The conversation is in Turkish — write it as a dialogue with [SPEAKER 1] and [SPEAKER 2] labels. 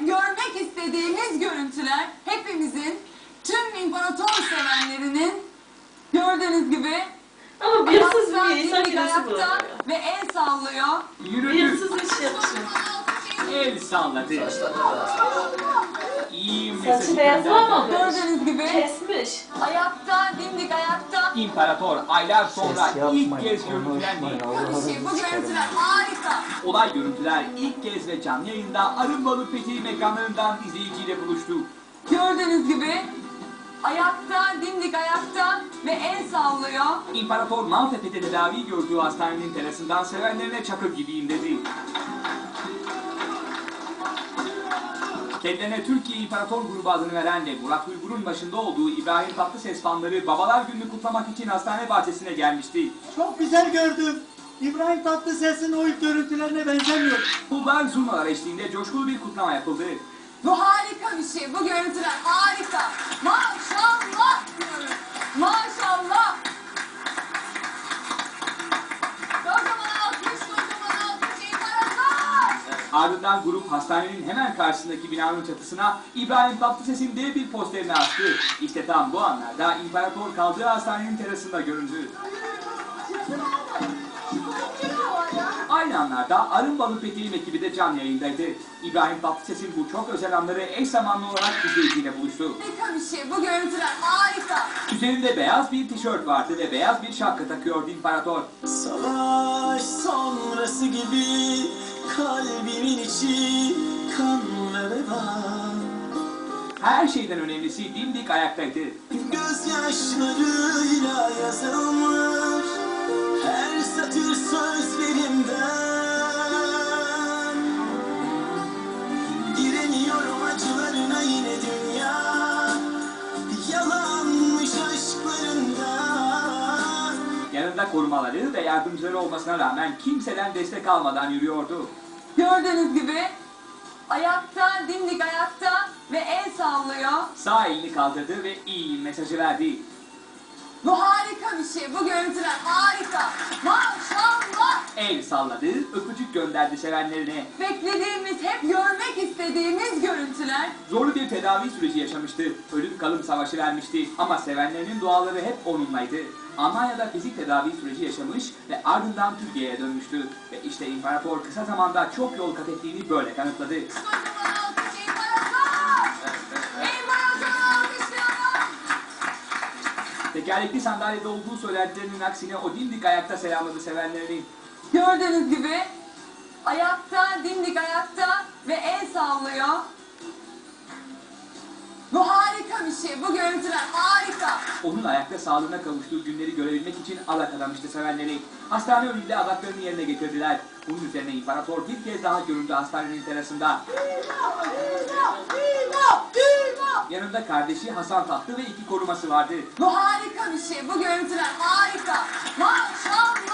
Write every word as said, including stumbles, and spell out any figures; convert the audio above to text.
[SPEAKER 1] hep görmek istediğimiz görüntüler, hepimizin, tüm imparator sevenlerinin gördüğünüz gibi
[SPEAKER 2] Ama bir hırsız
[SPEAKER 1] ayakta,
[SPEAKER 2] bir insan
[SPEAKER 1] dimdik
[SPEAKER 2] nasıl
[SPEAKER 1] ayakta
[SPEAKER 2] bulamıyor?
[SPEAKER 1] ve el sallıyor.
[SPEAKER 2] Bir
[SPEAKER 3] Yürüdü.
[SPEAKER 2] hırsız iş yapıyor.
[SPEAKER 3] El salladı. İyi
[SPEAKER 2] Saçı
[SPEAKER 3] mesajı
[SPEAKER 2] beyazlamamış.
[SPEAKER 3] gönderdi.
[SPEAKER 1] Gördüğünüz gibi
[SPEAKER 2] Kesmiş.
[SPEAKER 1] ayakta, dimdik ayakta.
[SPEAKER 3] İmparator aylar sonra
[SPEAKER 4] Ses
[SPEAKER 3] ilk
[SPEAKER 4] yapmayın,
[SPEAKER 3] kez görüntülendi.
[SPEAKER 4] konuşmayın.
[SPEAKER 1] Bir
[SPEAKER 4] Allah'ınızı
[SPEAKER 1] şey, bu
[SPEAKER 4] sikerim.
[SPEAKER 1] görüntüler harika.
[SPEAKER 3] Olay görüntüler ilk kez ve canlı yayında Arınbalı Fethi ekranlarından izleyiciyle buluştu.
[SPEAKER 1] Gördüğünüz gibi ayakta, dimdik ayakta ve el sallıyor.
[SPEAKER 3] İmparator Maltepe'de tedavi gördüğü hastanenin terasından sevenlerine çakır gibiyim dedi. Kendilerine Türkiye İmparator Grubu adını veren ve Murat Uygur'un başında olduğu İbrahim Tatlıses fanları Babalar Günü'nü kutlamak için hastane bahçesine gelmişti.
[SPEAKER 5] Çok güzel gördüm. İbrahim Tatlıses'in o ilk görüntülerine benzemiyor.
[SPEAKER 3] Kullar zurnalar eşliğinde coşkulu bir kutlama yapıldı.
[SPEAKER 1] Bu harika bir şey. Bu görüntüler harika. Maşallah diyoruz. Maşallah. Kocaman alkış, kocaman alkış imparator.
[SPEAKER 3] Ardından grup hastanenin hemen karşısındaki binanın çatısına İbrahim Tatlıses'in dev bir posterini astı. İşte tam bu anlarda İmparator kaldığı hastanenin terasında göründü. Aynı anlarda Arınbalı Fethi'nin ekibi de canlı yayındaydı. İbrahim Tatlıses'in bu çok özel anları eş zamanlı olarak izleyiciyle buluştu.
[SPEAKER 1] Harika bir şey. Bu görüntüler harika.
[SPEAKER 3] Üzerinde beyaz bir tişört vardı ve beyaz bir şapka takıyordu İmparator.
[SPEAKER 6] Savaş sonrası gibi kalbimin içi kan ve veba.
[SPEAKER 3] Her şeyden önemlisi dimdik ayaktaydı.
[SPEAKER 6] Gözyaşlarıyla yazılmış her satır sözlerimden. Giremiyorum acılarına yine dünya yalanmış aşklarından.
[SPEAKER 3] Yanında korumaları ve yardımcıları olmasına rağmen kimseden destek almadan yürüyordu.
[SPEAKER 1] Gördüğünüz gibi ayakta, dimdik ayakta ve el sallıyor.
[SPEAKER 3] Sağ elini kaldırdı ve iyi mesajı verdi.
[SPEAKER 1] Bu harika bir şey. Bu görüntüler harika. Maşallah.
[SPEAKER 3] El salladı, öpücük gönderdi sevenlerine.
[SPEAKER 1] Beklediğimiz, hep görmek istediğimiz görüntüler.
[SPEAKER 3] Zorlu bir tedavi süreci yaşamıştı. Ölüm kalım savaşı vermişti. Ama sevenlerinin duaları hep onunlaydı. Almanya'da fizik tedavi süreci yaşamış ve ardından Türkiye'ye dönmüştü. Ve işte İmparator kısa zamanda çok yol kat ettiğini böyle kanıtladı.
[SPEAKER 1] Kocaman alkış imparator. İmparator alkışlıyorum.
[SPEAKER 3] Tekerlekli sandalyede olduğu söylentilerinin aksine o dimdik ayakta selamladı sevenlerini.
[SPEAKER 1] Gördüğünüz gibi ayakta, dimdik ayakta ve el sallıyor. Bu harika bir şey. Bu görüntüler harika.
[SPEAKER 3] Onun ayakta sağlığına kavuştuğu günleri görebilmek için adak adamıştı sevenleri. Hastane önünde adaklarını yerine getirdiler. Bunun üzerine İmparator bir kez daha göründü hastanenin terasında. Yanında kardeşi Hasan Tahtı ve iki koruması vardı.
[SPEAKER 1] Bu harika bir şey. Bu görüntüler harika. Maşallah.